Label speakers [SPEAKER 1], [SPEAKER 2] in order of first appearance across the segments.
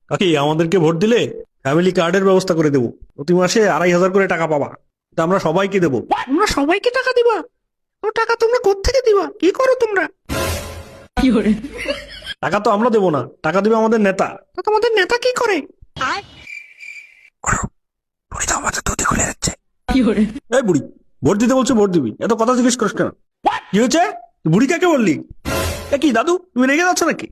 [SPEAKER 1] কাকি আমাদেরকে ভোট দিলে ফ্যামিলি কার্ডের ব্যবস্থা করে দেবো, প্রতি মাসে 2,500 করে টাকা পাবা, এটা আমরা সবাইকে দেবো।
[SPEAKER 2] তোমরা সবাইকে টাকা দিবা? তো টাকা তোমরা কোত্থেকে দিবা? কি করো তোমরা?
[SPEAKER 1] টাকা তো আমরা দেবো না, টাকা দিবে আমাদের নেতা।
[SPEAKER 2] তো তোমাদের নেতা কি করে?
[SPEAKER 1] বুড়ি তো আমাদের দুধে খুলে যাচ্ছে। এই বুড়ি, ভোট দিতে বলছো ভোট দিবি, এত কথা জিজ্ঞেস করিস কেন? কি হয়েছে? তুই বুড়ি কাকে বললি? এ কি দাদু, তুমি রেগে যাচ্ছ নাকি?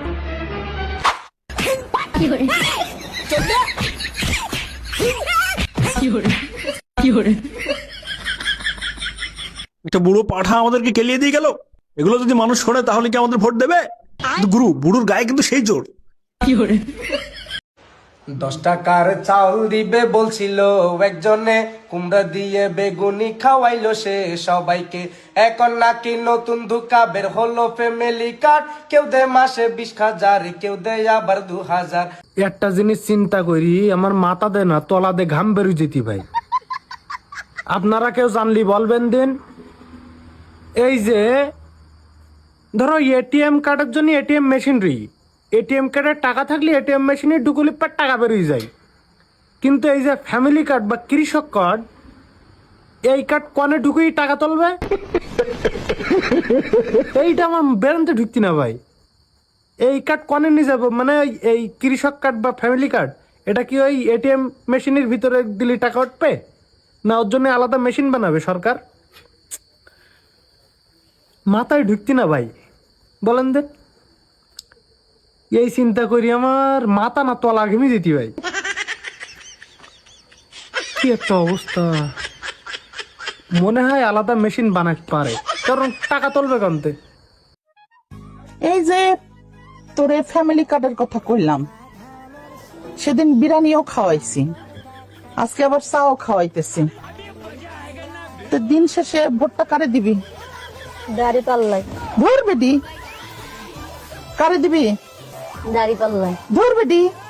[SPEAKER 1] একটা বুড়ো পাঠা আমাদেরকে কেলিয়ে দিয়ে গেল। এগুলো যদি মানুষ শোনে তাহলে কি আমাদের ভোট দেবে? কিন্তু গুরু, বুড়োর গায়ে কিন্তু সেই জোর।
[SPEAKER 3] 10 টাকার চাউল দিবে বলছিল একজনে, কুমড়া দিয়ে বেগুনি খাওয়াইলো সে সবাইকে। এখন নাকি নতুন ধোঁকা বের হলো ফ্যামিলি কার্ড, কেউ দেয় মাসে 20,000, কেউ দেয় আবার 2,000।
[SPEAKER 4] একটা জিনিস চিন্তা করি, আমার মাথা দে না তলা দে ঘাম বেরু যেতি ভাই। আপনারা কেউ জানলি বলবেন দিন। এই যে ধরো এটিএম কার্ডের জন্য এটিএম মেশিনারি, এটিএম কার্ডের টাকা থাকলে এটিএম মেশিনে ডুকুলি পার টাকা বেরিয়ে যায়, কিন্তু এই যে ফ্যামিলি কার্ড বা কৃষক কার্ড, এই কার্ড কনে ঢুকুই টাকা তুলবে? এইটা আমার বেরোতে ঢুকতি না ভাই। এই কার্ড কনে নিয়ে যাবো, মানে এই কৃষক কার্ড বা ফ্যামিলি কার্ড, এটা কি ওই এটিএম মেশিনের ভিতরে দিলে টাকা উঠবে, না ওর জন্য আলাদা মেশিন বানাবে সরকার? মাথায় ঢুকতি না ভাই, বলেন দে। এই চিন্তা করি আমার মাথা না তলা ঘেমে যেতি ভাই। কি একটা অবস্থা, মনে হয় আলাদা মেশিন বানাতে পারে, কারণ টাকা তুলবে কানতে।
[SPEAKER 5] এই যে তোরে ফ্যামিলি কার্ডের কথা কইলাম, সেদিন বিরিয়ানিও খাওয়াইছি, আজকে আবার চাও খাওয়াইতেছি। তো দিন শেষে ভোটটা কারে দিবি?
[SPEAKER 6] দাড়ি পাল্লাই।
[SPEAKER 5] ধর বেডি, কারে দিবি?
[SPEAKER 6] দাড়ি পাল্লাই।
[SPEAKER 5] ধর বেডি।